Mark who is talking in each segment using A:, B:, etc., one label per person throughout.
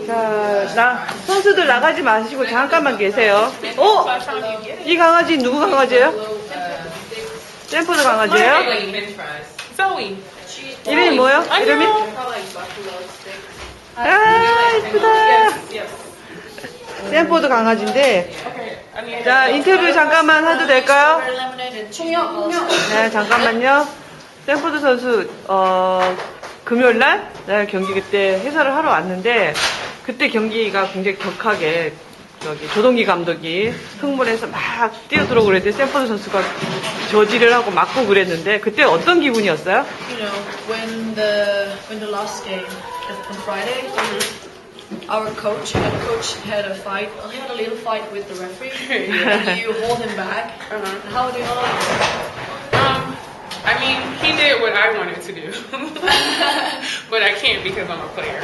A: 자, 선수들 나가지 마시고 잠깐만 계세요. 이 강아지 누구 강아지예요? 샌포드 강아지예요?
B: Zoe.
A: 이름이 뭐예요? 이름이? 아, 이쁘다. 샌포드 강아지인데. 자, 인터뷰 잠깐만 해도 될까요? 네, 잠깐만요. 샌포드 선수, 금요일날 경기 그때 해설을 하러 왔는데, 그때 경기가 굉장히 격하게, 조동기 감독이 흥분해서 막 뛰어들어오고 그랬는데, 샌포드 선수가 저지를 하고 맞고 그랬는데, 그때 어떤 기분이었어요?
C: You know, when the last game on Friday, our coach had a fight. He had a little fight with the referee. And you hold him back. How do you feel?
B: I mean, he did what I wanted to do. But I can't because I'm a player.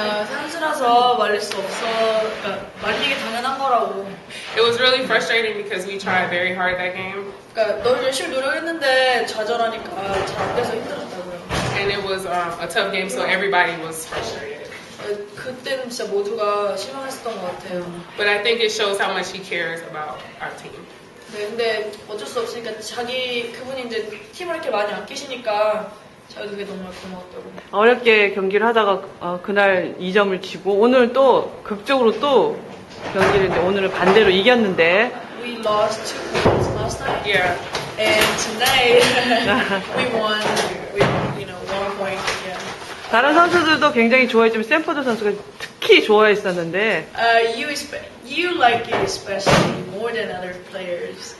C: 선수라서 말릴 수 없어. 그러니까 말리기 당연한 거라고.
B: It was really frustrating because we tried very hard that game.
C: 그러니까 너 열심히 노력했는데 좌절하니까 잘 안 돼서 힘들었다고요.
B: And it was a tough game, so everybody was frustrated.
C: 그때는 진짜 모두가 실망했었던 것 같아요.
B: But I think it shows how much he cares about our team.
C: 네, 근데 어쩔 수 없으니까 그분이 이제 팀을 이렇게 많이 아끼시니까 저도 그게 정말 고마웠다고.
A: 어렵게 경기를 하다가 그날 2점을 치고 오늘 또 극적으로 또 경기를 이제 오늘은 반대로 이겼는데
C: We lost 2 points last night.
B: Yeah.
C: And tonight we won with 1 point. Yeah.
A: 다른 선수들도 굉장히 좋아했지만 샌포드 선수가 특히 좋아했었는데
C: You like it especially more than other players.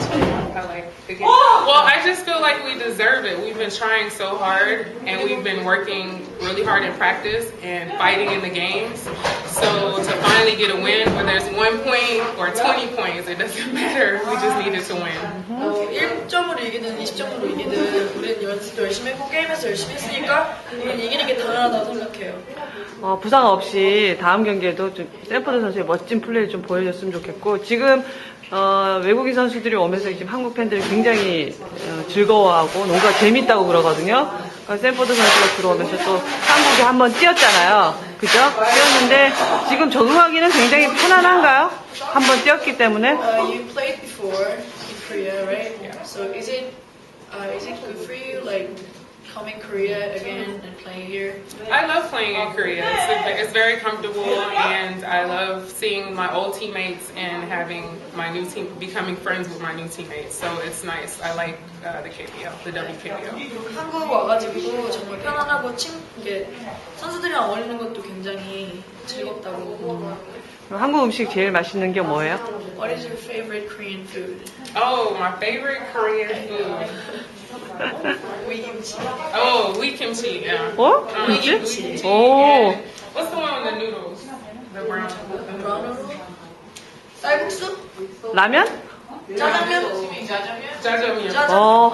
B: I like the game. Well, I just feel like we deserve it. We've been trying so hard, and we've been working really hard in practice and fighting in the games. So to finally get a win, whether it's 1 point or 20 points, it doesn't matter. We just needed to win.
C: 1점으로 이기든 20점으로 이기든 우리는 연습도 열심히 했고 게임에서 열심히 했으니까 우리는 이기는 게 당연하다고 생각해요.
A: 부상 없이 다음 경기에도 좀 샌포드 선수의 멋진 플레이를 좀 보여줬으면 좋겠고 지금 외국인 선수들이 오면서 지금 한국 팬들이 굉장히 즐거워하고 농구가 재밌다고 그러거든요. 그러니까 샌포드 선수가 들어오면서 또 한국에 한번 뛰었잖아요. 그죠? 뛰었는데 지금 적응하기는 굉장히 편안한가요? 한번 뛰었기 때문에.
C: You played before in Korea, right? Yeah. So is it good for you, like coming Korea again and playing here?
B: I love playing in Korea. It's very comfortable, and I love seeing my old teammates and having my new team, becoming friends with my new teammates. So it's nice. I like the KBL, the WKBL.
C: 한국 와가지고 정말 편안하고 이게 선수들이랑 어울리는 것도 굉장히 즐겁다고.
A: 한국 음식 제일 맛있는 게 뭐예요?
C: What is your favorite Korean food?
B: Oh, my favorite Korean food.
C: 위김치.
B: Oh, wheat kimchi. Yeah.
A: 김치?
B: 오.
A: 오.
B: What's the one with the noodles? The brown.
C: 브라운으로? 쌀국수?
A: 라면?
C: 짜장면?
B: Jajangmyeon.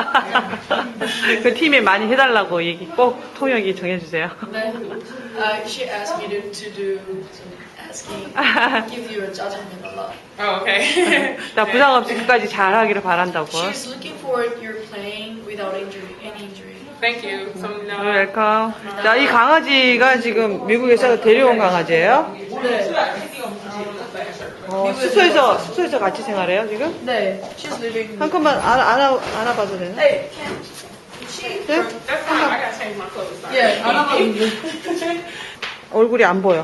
A: 그 팀에 많이 해달라고 얘기 꼭 통역이 정해주세요.
C: 네. She asked me to do some asking, give you a 짜장면 a lot.
B: Oh, okay.
A: 나 부상 없이 끝까지 잘하기를 바란다고.
C: She's looking forward your playing without any injury.
B: Thank you.
A: 웰컴. 자, 이 강아지가 지금 미국에서 데려온 강아지예요?
C: 네.
A: 수소에서 같이 생활해요, 지금?
C: 네. She's living.
A: 한번만 안아봐도 되나?
C: Hey, can she?
A: 네?
B: That's fine. I gotta change my clothes. Sorry.
C: Yeah, 안아봐도
A: 얼굴이 안 보여.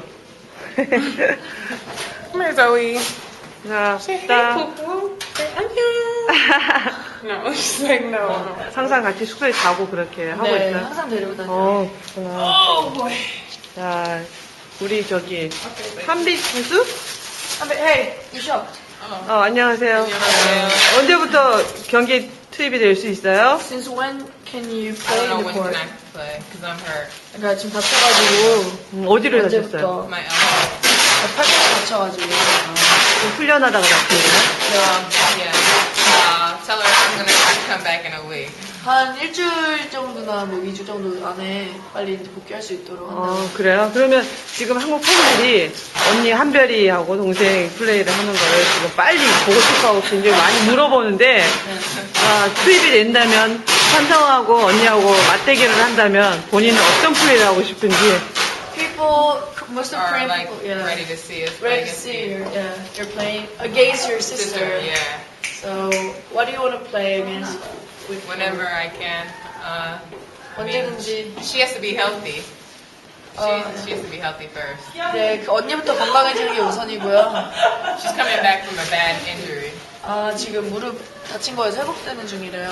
B: Come here, Zoe.
A: 자,
B: Say hey,
A: 자,
B: poo-poo. Say 안녕. No, she's like no.
A: 항상 같이 숙소에 자고 그렇게 하고
C: 네,
A: 있어요.
C: 항상 데리고 다녀요.
A: 그렇구나.
C: Oh boy.
A: 자, 우리 저기 한빛 선수?
C: Hey, you shocked?
A: 안녕하세요. 언제부터 경기에 투입이 될 수 있어요?
C: Since when can you
D: I
C: play
D: don't
C: in
D: know
C: the
D: when
C: court?
D: can I play because I'm hurt.
C: 그러니까 지금 다쳐가지고
A: 어디를 다쳤어요?
C: 언제부터?
D: My elbow.
C: 팔꿈치 다쳐가지고.
A: 좀 훈련하다가 다쳤어요.
D: Yeah. Tell her I'm gonna come back in a week.
C: 한 일주일 정도나 뭐 2주 정도 안에 빨리 이제 복귀할 수 있도록 한다.
A: 그래요? 그러면 지금 한국 팬들이 언니 한별이하고 동생 플레이를 하는 거를 지금 빨리 보고 싶어하고 굉장히 많이 물어보는데 투입이 된다면 찬성하고 언니하고 맞대결을 한다면 본인은 어떤 플레이를 하고 싶은지.
C: People, most of
D: are
C: Korean
D: like
C: people, yeah,
D: ready to see us.
C: ready
D: play
C: to
D: against
C: see
D: you.
C: you're playing against your
D: Sister,
C: sister.
D: yeah.
C: So what do you want to play against? With
D: Whenever I can. I mean,
C: 언제든지.
D: she has to be healthy.
C: 어,
D: She has to be healthy first.
C: 네, 그 언니부터 건강해지는 게 우선이고요.
D: She's coming back from a bad injury.
C: 아, 지금 무릎 다친 거에서 회복되는 중이래요.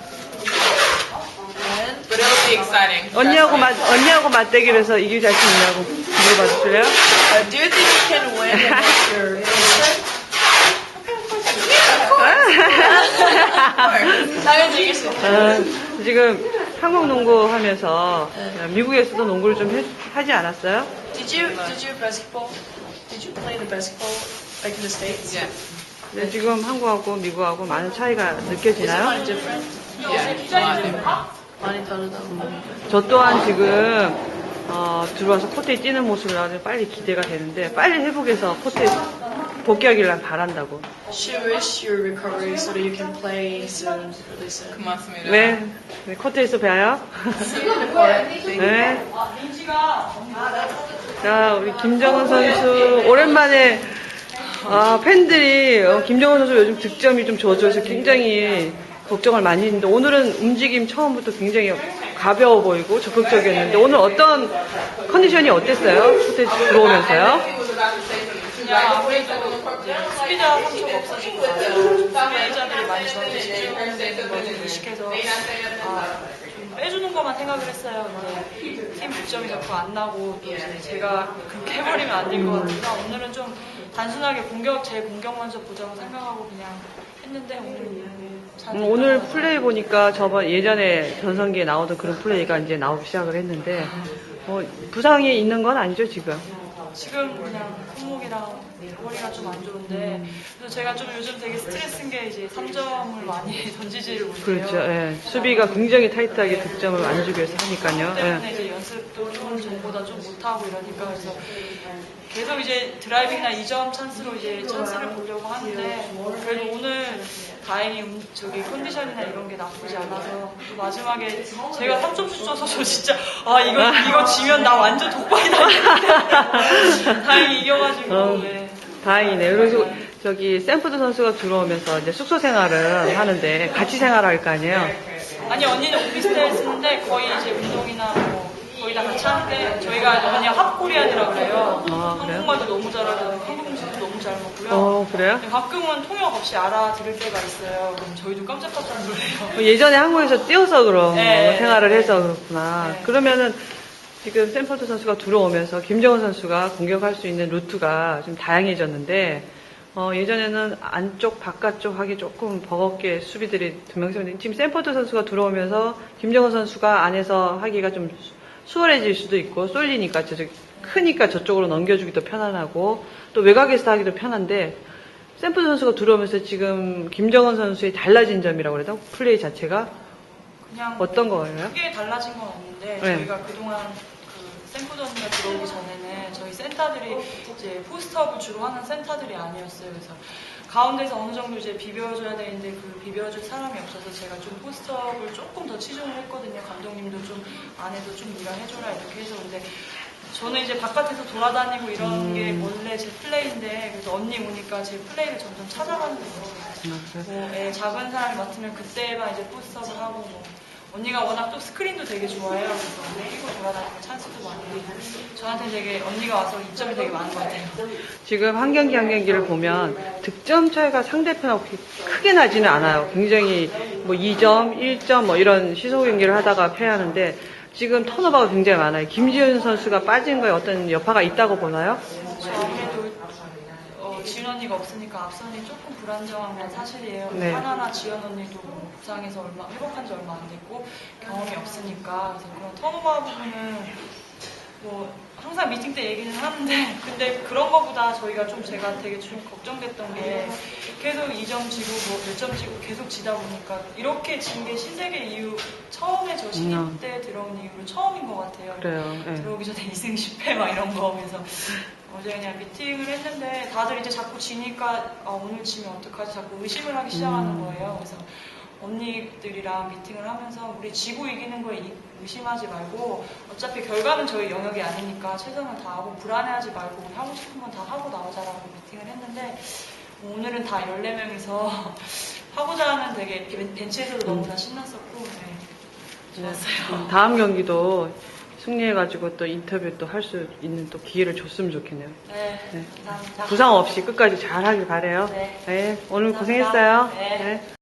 C: And
D: But it'll be exciting.
A: 언니하고 맞대기를 해서 이길 자신 있냐고 물어봐 주실래요?
C: do you think you can win against your sister? 당연히 이길 수 있어요.
A: 지금 한국 농구 하면서 미국에서도 농구를 좀 하지 않았어요?
C: Did you basketball? Did you play the basketball back in the States?
D: Yeah.
A: 네, 지금 한국하고 미국하고 많은 차이가
C: Is it
A: 느껴지나요?
C: 많이 different?
D: Yeah. A lot different.
C: 많이 다르다고.
A: 저 또한 지금 들어와서 코트에 뛰는 모습을 아주 빨리 기대가 되는데 빨리 회복해서 코트에 복귀하기를 바란다고.
C: She wish your recovery so that you can play soon, really soon.
D: 고맙습니다.
A: 네, 네, 코트에서 뵈요. 네. 자, 우리 김정은 선수 오랜만에 팬들이 김정은 선수 요즘 득점이 좀 젖어서 굉장히 걱정을 많이 했는데 오늘은 움직임 처음부터 굉장히 가벼워 보이고 적극적이었는데 오늘 어떤 컨디션이 어땠어요? 코트에 들어오면서요?
E: 그냥 아무래도 수비자 상처가 없어지고 나서 수비자들이 많이 저한테 집중되는 걸 좀 의식해서 좀 빼주는 것만 생각을 했어요. 근데 팀 득점이 자꾸 안 나고 또 이제 제가 그렇게 해버리면 안 될 것 같아서 오늘은 좀 단순하게 제 공격 먼저 보자고 생각하고 그냥 했는데
A: 오늘 플레이 보니까 예전에 전성기에 나오던 그런 플레이가 이제 나오기 시작을 했는데 부상이 있는 건 아니죠 지금?
E: 지금 그냥 손목이랑 허리가 좀 안 좋은데 그래서 제가 좀 요즘 되게 스트레스인 게 이제 3점을 많이 던지지를 못해요.
A: 그렇죠. 예. 수비가 굉장히 타이트하게 득점을 안 주기 위해서 하니까요.
E: 때문에
A: 예.
E: 이제 연습도 좋은 전보다 좀 못하고 이러니까 그래서 계속 이제 드라이빙이나 2점 찬스로 이제 찬스를 보려고 하는데 그래도 오늘 다행히 컨디션이나 이런 게 나쁘지 않아서 또 마지막에 제가 3점슛 쪄서 저 진짜 이거 지면 나 완전 독박이 나겠는데 다행히 이겨가지고 네.
A: 다행이네요. 그래서 샌프드 선수가 들어오면서 이제 숙소 생활을 하는데 같이 생활할 거 아니에요?
E: 아니 언니는 오피스텔 쓰는데 거의 이제 운동이나 거의 다 같이 하는데 저희가 언니가 합코리안이라고 그래요.
A: 그래요?
E: 한국말도 너무 잘하고 한국 음식도 너무 잘 먹고요.
A: 그래요?
E: 근데 가끔은 통역 없이 알아들을 때가 있어요. 그럼 저희도 깜짝깜짝 놀래요.
A: 예전에 한국에서 뛰어서 그런
E: 네,
A: 생활을
E: 네,
A: 해서 그렇구나.
E: 네.
A: 그러면은 지금 샌퍼드 선수가 들어오면서 김정은 선수가 공격할 수 있는 루트가 좀 다양해졌는데 예전에는 안쪽 바깥쪽 하기 조금 버겁게 수비들이 두 명씩 있는데 지금 샌퍼드 선수가 들어오면서 김정은 선수가 안에서 하기가 좀 수월해질 수도 있고 쏠리니까 크니까 저쪽으로 넘겨주기도 편안하고 또 외곽에서 하기도 편한데 샌퍼드 선수가 들어오면서 지금 김정은 선수의 달라진 점이라고 그래야 되나? 플레이 자체가
E: 그냥
A: 어떤 거예요?
E: 크게 달라진 건 없는데
A: 네.
E: 저희가 그동안 샌프드 언니가 들어오기 전에는 저희 센터들이 이제 포스트업을 주로 하는 센터들이 아니었어요. 그래서 가운데서 어느 정도 이제 비벼줘야 되는데 그 비벼줄 사람이 없어서 제가 좀 포스트업을 조금 더 치중을 했거든요. 감독님도 좀 안에도 좀 네가 해줘라 이렇게 해서 근데 저는 이제 바깥에서 돌아다니고 이런 게 원래 제 플레이인데 그래서 언니 오니까 제 플레이를 점점 찾아가는 거예요. 작은 사람이 맡으면 그때만 이제 포스트업을 하고 언니가 워낙 또 스크린도 되게 좋아해요. 그래서 뛰고 돌아다니고 찬스도 많이 되고 저한테 되게 언니가 와서 이점이 되게 많은 것 같아요.
A: 지금 한 경기 한 경기를 보면 득점 차이가 상대편하고 크게 나지는 않아요. 굉장히 2점, 1점 이런 시소 경기를 하다가 패하는데 지금 턴오버가 굉장히 많아요. 김지현 선수가 빠진 거에 어떤 여파가 있다고 보나요?
E: 저 아무래도 지은 언니가 없으니까 앞선이 조금 불안정한 건 사실이에요.
A: 네.
E: 하나나 지연 언니도 부상에서 회복한 지 얼마 안 됐고 경험이 없으니까 그래서 그런 턴오버 부분은 항상 미팅 때 얘기는 하는데 근데 그런 거보다 저희가 제가 되게 좀 걱정됐던 게 계속 2점 지고 몇 점 지고 계속 지다 보니까 이렇게 진 게 신세계 이후 처음에 저 신입 때 들어온 이후로 처음인 것 같아요.
A: 그래요. 네.
E: 들어오기 전에 2승 10패 이런 거 하면서 어제 그냥 미팅을 했는데 다들 이제 자꾸 지니까 오늘 지면 어떡하지 자꾸 의심을 하기 시작하는 거예요. 그래서 언니들이랑 미팅을 하면서 우리 지고 이기는 거에 의심하지 말고 어차피 결과는 저희 영역이 아니니까 최선을 다하고 불안해하지 말고 우리 하고 싶은 건 다 하고 나오자라고 미팅을 했는데 오늘은 다 14명이서 하고자 하는 되게 이렇게 벤치에서도 너무나 신났었고 네, 좋았어요.
A: 다음 경기도 승리해가지고 또 인터뷰 또 할 수 있는 또 기회를 줬으면 좋겠네요.
E: 네,
A: 네.
E: 감사합니다.
A: 부상 없이 끝까지 잘 하길 바래요.
E: 네.
A: 네, 오늘
E: 감사합니다.
A: 고생했어요.
E: 네.
A: 네.